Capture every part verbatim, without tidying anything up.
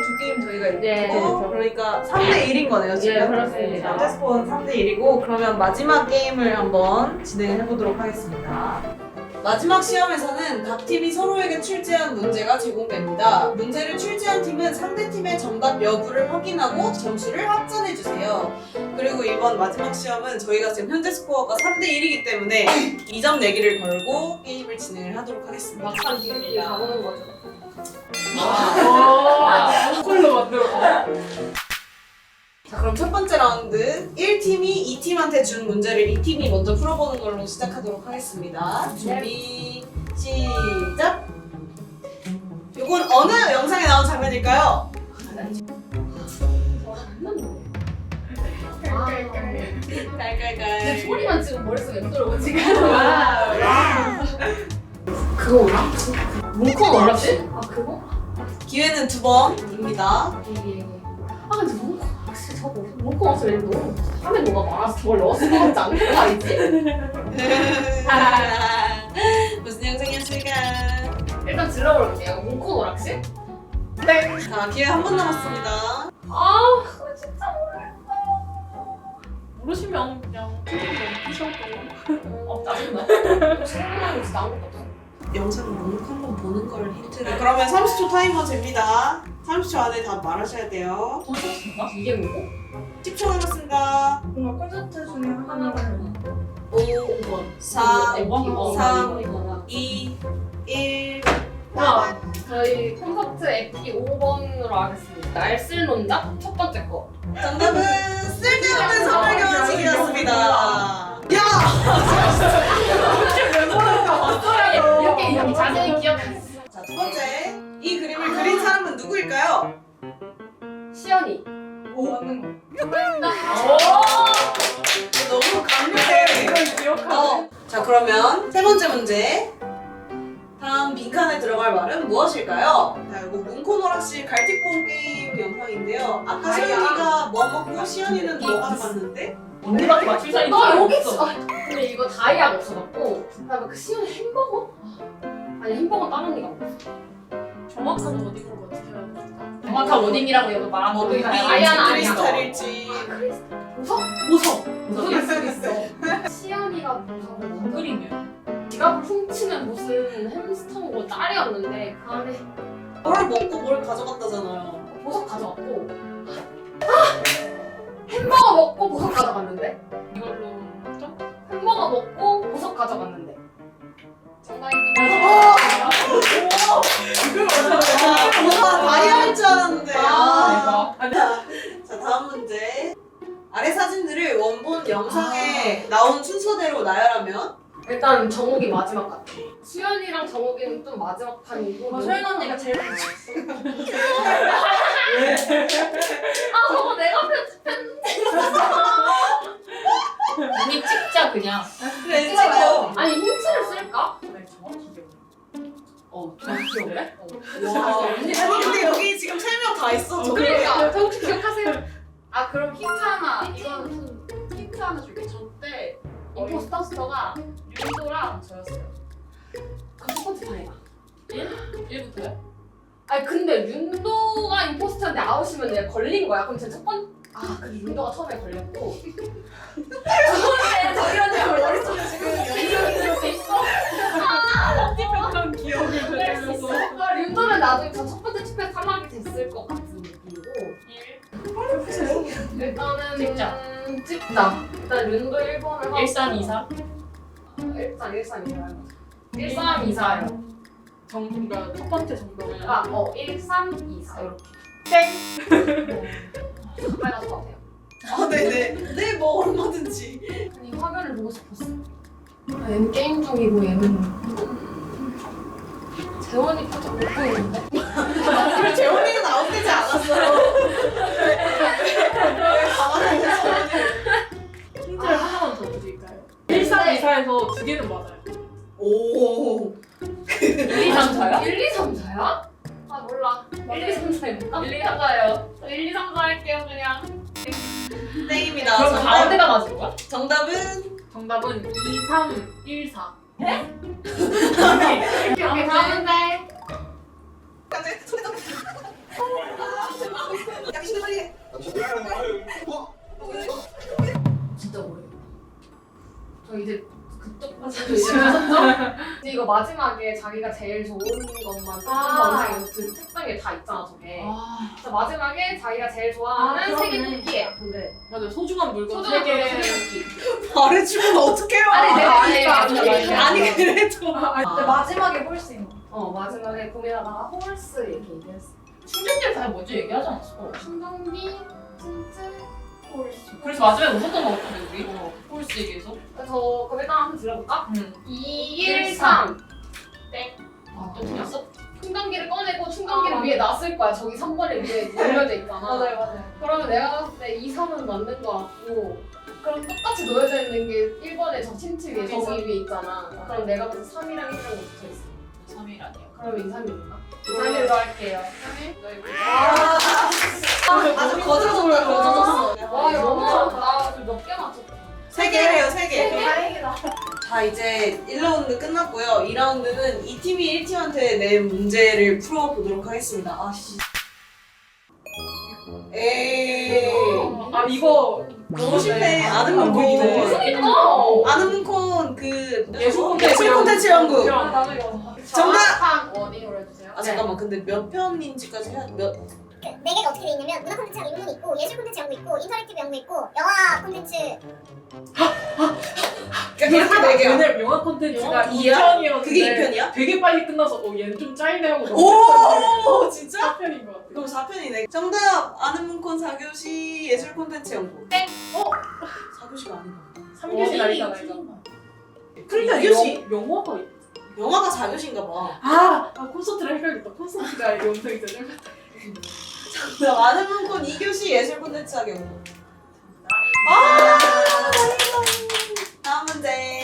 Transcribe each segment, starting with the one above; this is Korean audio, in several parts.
두 게임 저희가 이기고 네, 그렇죠. 그러니까 삼 대 일인 거네요 지금. 예, 그렇습니다. 현재 스코어는 삼 대 일이고 그러면 마지막 게임을 한번 진행해 보도록 하겠습니다. 마지막 시험에서는 각 팀이 서로에게 출제한 문제가 제공됩니다. 문제를 출제한 팀은 상대 팀의 정답 여부를 확인하고 점수를 합산해 주세요. 그리고 이번 마지막 시험은 저희가 지금 현재 스코어가 삼 대 일이기 때문에 이 점 내기를 걸고 게임을 진행을 하도록 하겠습니다. 막상 뒤에 가보는 거죠. 콜로 만들어. 자, 그럼 첫 번째 라운드 일 팀이 이 팀한테 준 문제를 이 팀이 먼저 풀어보는 걸로 시작하도록 하겠습니다. 준비 시작! 이건 어느 영상에 나온 장면일까요? 깔깔깔. 소리만 지금 머릿속에 들어오고 지금. 와. 그거나? 뭉콩 어렵지? 아 그거? 기회는 두 번입니다. 예. 아 근데 뭉콩 확실히 저거 뭉콩 없으면 얘는 너무 하면 뭐가 많아서 저걸 넣었을 것 같지 않은 거 알지? 무슨 영상이었을까? 일단 질러볼게요. 뭉콩 오락실? 자, 기회 한 번 남았습니다. 아 그거 진짜 모르시면 그냥 피셔도. 어 짜증나. 생각나는 진짜 아무것도 없어. 영상을 묵묵 한번 보는 걸 힌트를. 그러면 삼십 초 타이머 잽니다. 삼십 초 안에 다 말하셔야 돼요. 이게 뭐고? 십 초 남았습니다. 뭔가 콘서트 중에 하나를. 오, 사, 이거, 삼, 이거, 이거. 이, 일. 아, 저희 콘서트 에피 오 번으로 하겠습니다. 날쓸논자 첫 번째 거. 정답은 쓸데없는 선물 교환식이었습니다. 야! 이렇게 이렇게 자세히 기억했어. 자, 두 번째. 이 그림을 그린 사람은 누구일까요? 시연이. 오, 맞는 거. 너무 강력해. 이걸 기억하네. 어. 자, 그러면 세 번째 문제. 다음 빈칸에 들어갈 말은 무엇일까요? 자, 이거 문코노락실 갈틱폰 게임 영상인데요. 아까 시연이가 뭐 먹고 시연이는 뭐 가져갔는데? 언니밖에 맞출 사람이 나 여기 없어. 있어. 아, 근데 이거 다이아가 없어졌고, 그다음에 그 시연이 햄버거? 아니 햄버거 다른 애가 없어. 정확한 워딩으로 어떻게 해야 될까? 정확한 워딩이라고 여기 말한 뭐 거. 루비, 다이아는 아니야. 크리스탈일지. 보석? 보석. 보석일 수도 있어. 시연이가 보석을 먹은 그림이요. 지갑을 훔치는 무슨 햄스터고 딸이었는데 그 안에 뭘 먹고 뭘 가져갔다잖아요. 보석 가져갔고 아! 햄버거 먹고 보석 가져갔는데 이걸로 좀. 햄버거 먹고 보석 가져갔는데 정답입니다. 이걸 맞아. 아, 뭔가 다이아일 줄 알았는데. 아. 아니, 자, 다음 문제. 아래 사진들을 원본 영상에 나온 순서대로 나열하면? 일단 정욱이 마지막 같아. 수연이랑 정욱이는 좀 마지막 판이고 어, 소연 언니가 제일 좋았어. 아 저거 내가 편집했는데 언니 찍자 그냥. 그래, 찍어. 아니 힌트를 쓸까? 네, 정확히 기억. 어 정확히 기억해? 와, 언니, 아니, 근데 여기 지금 세 명 다 있어. 저 그러니까 정욱이 기억하세요? 아 그럼 힌트 하나 이건 힌트 하나 줄게. 저때 임포스터가 윤도랑 저였어요. 그럼 첫 번째 판이다. 일부터요? 아니 근데 윤도가 임포스터인데 아웃이면 내가 걸린 거야. 그럼 제 첫 번... 아 근데 윤도가 처음에 걸렸고 두 번째 저희 언니가 머릿속에 지금 연결이 되어 있어. 편집했던 기억을 되살려서. 아, 윤도는 나중에 저 첫 번째 투표에 사망이 됐을 것 같은 느낌이고 일단은 찍자. 음, 찍자. 일단 윤도 일 번을 하고 일삼이사. 일단 일삼이사요. 일삼이사요. 정답 첫 번째 정답은. 아, 어, 일삼이사 이렇게. 땡. 빨간 것 같아요. 아, 네네. 네, 뭐, 얼마든지. 아니 화면을 보고 싶었어. 아, 얘는 게임 중이고 얘는 재원이 표정 못 보이는데? 그리고 재원이는 아웃되지 않았어요. 왜 가만히 있어, 재원이. 힌트를 하나만 더 드릴까요? 일삼이사에서 두 개는 맞아요. 오. 일, 이, 삼, 사야? 일, 이, 삼, 사야? 아 몰라. 일, 이, 삼, 사 해볼까? 일, 이, 삼, 사요. 일, 이, 삼, 사 할게요 그냥. 땡입니다. 그럼 정답, 가운데가 맞은 거야? 정답은 정답은 이삼일사. 오케이 오케이 가운데. 야, 미친놈 빨리 해. 진짜 모르겠다. 저 이제 그쪽 가서 있으면서 이제 이거 마지막에 자기가 제일 좋은 것만 아. 영상에 그 책상에 다 있잖아 저게. 아 그래서 마지막에 자기가 제일 아, 좋아하는 세계 그러네. 쿠키예요. 근데 맞아 소중한 물건 소중한 세 개. 거 세계 쿠키. 말해주면 어떡해요? 아니 내가 아니, 아니까 아니, 아니, 아니 그래도 아, 마지막에 홀수 있는 어 마지막에 고민하다가 홀스 이렇게 얘기했어. 충전기를 다 먼저 얘기하지 않았어? 충전기, 틴트, 홀수. 그래서 마지막에 웃었던 거 같은데 우리? 어. 홀스 얘기해서? 저 그럼 일단 한번 들어볼까? 응. 이일삼 아, 또 틀렸어? 충전기를 꺼내고 충전기를 아, 위에 놨을 거야. 저기 삼 번에 위에 놓여져 있잖아. 맞아요, 맞아요. 그러면 내가 봤을 때 이, 삼은 맞는 거 같고 그럼 똑같이 놓여져 있는 게 일 번에 저 틴트 위에 저기 저기 위에 있잖아. 그럼 내가 봤을 때 삼이랑 일이랑 붙어있어. 삼 일 아니야. 그러면 이, 삼일인가? 이, 삼일로 할게요. 아, 아주 거저졌다 거저졌어. 와 이거 너무 잘한다. 몇 개 맞췄다. 세 개래요 세 개. 다행이다. 자 이제 일 라운드 끝났고요. 이 라운드는 이 팀이 일 팀한테 낸 문제를 풀어보도록 하겠습니다. 아씨. 에이. 아 이거 너무 쉽네. 아는 문콘. 이거 아는 문콘 그 예술 콘텐츠 예술 콘텐츠 연구. 연구. 아 나도 이거 정답! 정확한 워딩으로 해주세요. 아 잠깐만 근데 몇 편인지까지 해야 몇? 네 개가 어떻게 돼 있냐면 문화 콘텐츠랑 인문이 있고 예술 콘텐츠 연구 있고 인터랙티브 연구 있고 영화 콘텐츠 그러니까 네 개야. 왜냐면 영화 콘텐츠가 이 이야? 편이었는데 그게 이 편이야? 되게 빨리 끝나서 어 얘는 좀 짧네 하고 오 진짜? 사 편인 것 같아. 그럼 사 편이네. 정답! 아는 문콘 사 교시 예술 콘텐츠 연구. 땡! 어? 사 교시가 아닌가? 삼 교시 아니잖아 이거. 그러니까 이 교시 영- 영화가 있- 영화가 사 교시인가 봐. 아, 아 콘서트를 헷갈렸다. 콘서트가 영상이잖아. 정답! 아는 문콘 이 교시 예술 콘텐츠 사 연구. 아! 다음 문제.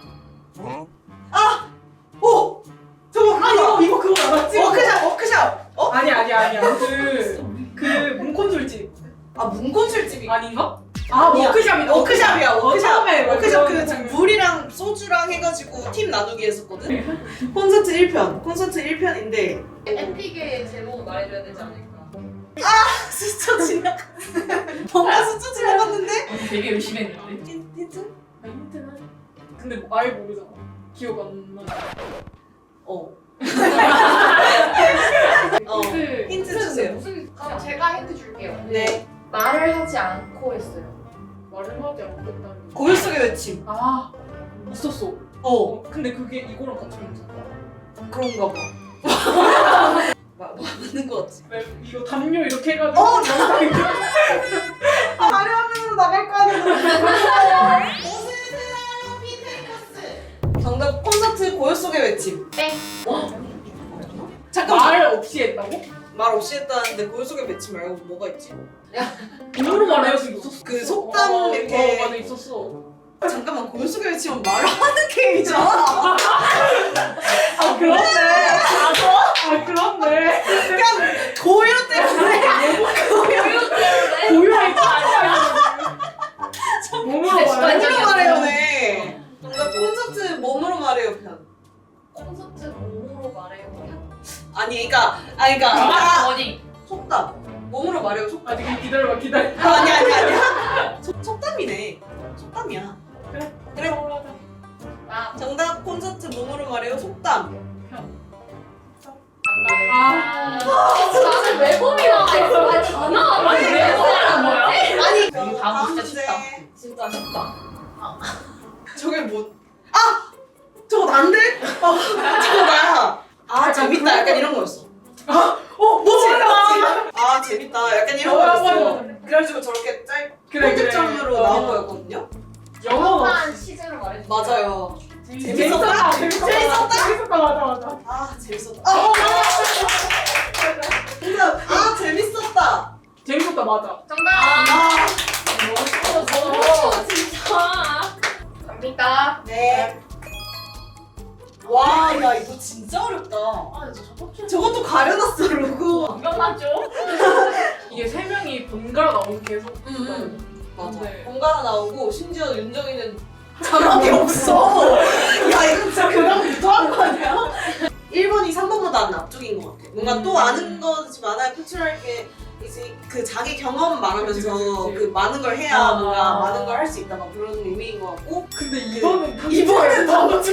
아! 오! 저거 아 이거 이거 그거 알았지? 워크샵! 워크샵! 어? 아니 아니 아니야. 그그 문콘술집 아 문콘술집이 아닌가? 아 아니야. 워크샵이다. 워크샵이야 워크샵. 처음에 워크샵 그 그런 지금 장면. 물이랑 소주랑 해가지고 팀 나누기 했었거든. 콘서트 일 편. 콘서트 일 편인데 에픽의 제목 말해줘야 되지 않을까? 스쳐 지나가. 뭔가 스쳐 지나갔는데? 되게 열심히 했는데. 힌- 힌트? 아, 힌트는? 근데 뭐 아예 모르잖아. 기억 안 나. 어. 어. 힌트. 힌트 주세요. 무슨 그럼 제가 힌트 줄게요. 네. 말을 하지 않고 했어요. 말을 하지 않겠다는 거. 고요 속의 외침. 아 있었어. 어. 어 근데 그게 이거랑 같이 있었다. 그런가 봐. 마, 맞는 거 같지? 왜 이거 담요 이렇게 해가지고 어, 영상이 아, 마리 화면으로 나갈 거 아니야. 정답 콘서트 고요 속의 외침. 땡. 어? 잠깐만. 말 없이 했다고? 말 없이 했다는데 고요 속의 외침 말고 뭐가 있지? 입으로 말해서 있었어. 그 속담 어, 이렇게- 어, 맞아 있었어. 잠깐만 고요 속의 외침은 말을 하는 게임이잖아. 아 그렇네. 아 그렇네. 그냥 고요 때문에 고유의 몸으로 진짜 말해. 몸으로 말해요, 네. 정답 콘서트 몸으로 말해요 편. 콘서트 몸으로 말해요. 아니, 그러니까, 아니, 그러니까 아, 아, 어디? 속담. 몸으로 말해요 속담. 아 되게 기다려봐 기다려. 아, 아니 아니 아니야. 속 속담이네. 속담이야. 그래. 그래. 나 정답 콘서트 몸으로 말해요 속담. 아. 나는 외범이 나와 있어. 아니 다 나와. 아니, 왜 외범이란 뭐야? 아니 이거 다음 다음 진짜 문제. 쉽다. 진짜 쉽다. 저게 뭐? 아 저거 난데? 아 저거 나야. 아 재밌다. 약간 이런 거였어. 어 뭐지? 아 재밌다. 약간 이런 어, 맞아, 거였어. 맞아. 그래가지고 저렇게 짧 그래 그래. 편집점으로 어. 나온 거였거든요. 영어. 한 시즌을 말해줘. 맞아요. 재밌었다. 재밌었다. 재밌었다. 재밌었다 맞아 맞아. 아 재밌었다. 아, 정답. 아 재밌었다. 재밌었다 맞아. 정답. 아 너무 진짜. 갑니다. 네. 와, 야 이거 진짜 어렵다. 아 진짜 저거 저것도 가려놨어 로고. 분명 맞죠? 이게 세 명이 번갈아 나오고 계속. 음, 맞아. 네. 번갈아 나오고 심지어 윤정이는 자막이 없어. 야 이거 진짜 그냥 무도한 거 아니야? 일 번이 삼 번보다 안 앞쪽인 것 같아. 뭔가 뭔가 또 아는 것이 많아야 표출할게 이제 그 자기 경험 말하면서 그치, 그치, 그치. 그 많은 걸 해야 아. 뭔가 많은 걸 할 수 있다 막 그런 의미인 것 같고 근데 이번은 이번엔 너무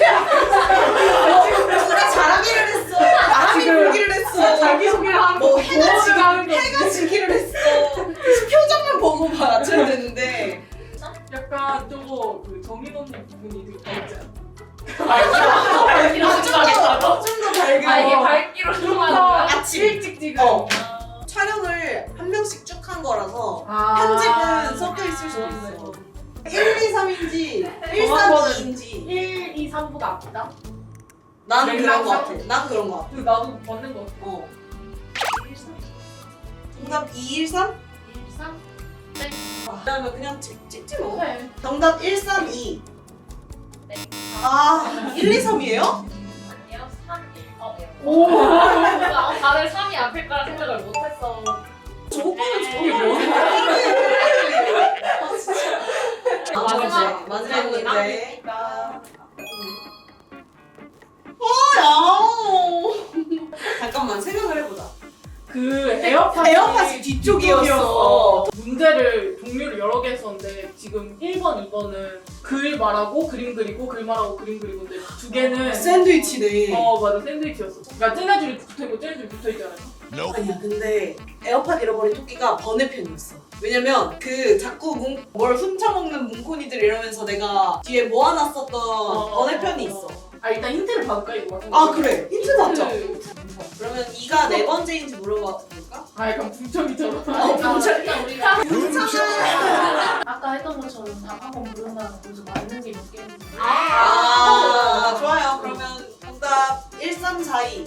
누가 잘하기를 했어. 바람이 지금 불기를 했어. 자기소개를 하는 뭐 거 해가 보호를 지기, 하는 거 해가 지기를 했어. 표정만 보고 맞춰야 되는데 약간 저거 그 정인 언니 부분이 되게 밝지 않아? 밝기로 생각했다고? 좀더 밝게. 아 이게 밝기로 들어가는 거야? 아침 일찍 지금 어. 촬영을 한 명씩 쭉 한 거라서 아. 편집은 섞여 있을 수도 있어. 일, 이, 삼인지 일, 정한 삼, 거는 이인지 일, 이, 삼보다 앞이다? 난 그런 거 맥락상? 같아. 난 그런 거 같아. 근데 나도 맞는 거 같아. 어. 정답 이, 일, 삼? 일, 삼? 그러면 그냥 찍, 찍지 뭐. 네. 정답 일, 삼, 이. 네. 아, 일, 이, 삼이에요? 아니요 삼, 일. 어, 네. 오. 어, 다들 삼이 앞일 거라 생각을 못했어. 저거는 이게 정말 뭐야? 아, 진짜. 아, 마지막 마지막 문제. 문제. 어, 야. 잠깐만 생각을 해보자. 그 에어팟이, 에어팟이 뒤쪽이었어. 문제를 종류를 여러 개 했었는데 지금 일 번, 이 번은 글 말하고 그림 그리고 글 말하고 그림 그리고인데 두 개는 샌드위치네. 어 맞아 샌드위치였어. 그러니까 쟤네줄이 붙어있고 쟤네줄이 붙어있잖아요. 아니야, 근데 에어팟 잃어버린 토끼가 번외편이었어. 왜냐면 그 자꾸 문, 뭘 훔쳐먹는 문코니들 이러면서 내가 뒤에 모아놨었던 번외편이 있어. 아 일단 힌트를 받을까 이거 맞은 아 그래, 힌트 받자. 힌트. 그러면 이가 네 번째인지 물어봐 볼까? 아 약간 붕청이처럼. 어, 아, 일단 우리가 괜찮아. 아까 했던 것처럼 답 한번 물어봐서 거기서 맞는 게 몇 개인지. 아, 좋아요. 그러면 정답 일, 삼, 사, 이.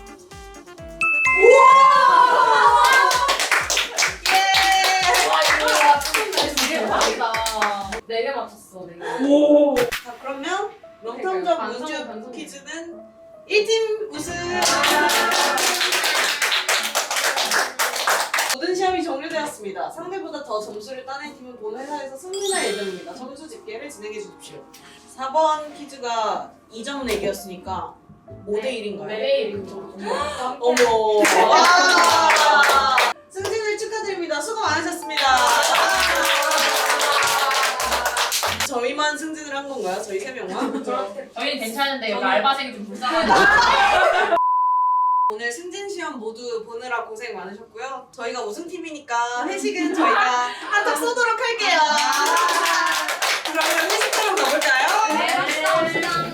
우와! 예! 와 이거 맞췄네. 되게 다르다. 네 개 맞췄어. 네 개. 오. 자, 그러면 명탐정 반성, 문주 반성. 퀴즈는 일 팀 우승! 모든 시험이 종료되었습니다. 상대보다 더 점수를 따낸 팀은 본 회사에서 승리할 예정입니다. 점수 집계를 진행해 주십시오. 사 번 퀴즈가 이 점 내기였으니까 오 대 일인가요? 네 대 일이죠. 어머. 와. 승진을 축하드립니다. 수고 많으셨습니다. 저희만 승진을 한 건가요? 저희 세 명만? 저희는 괜찮은데 여기 저는- 알바생이 좀 불쌍하다. 오늘 승진 시험 모두 보느라 고생 많으셨고요. 저희가 우승팀이니까 회식은 저희가 한턱 쏘도록 할게요. 그러면 회식 좀 가볼까요? 네, 갑시다, 갑시다.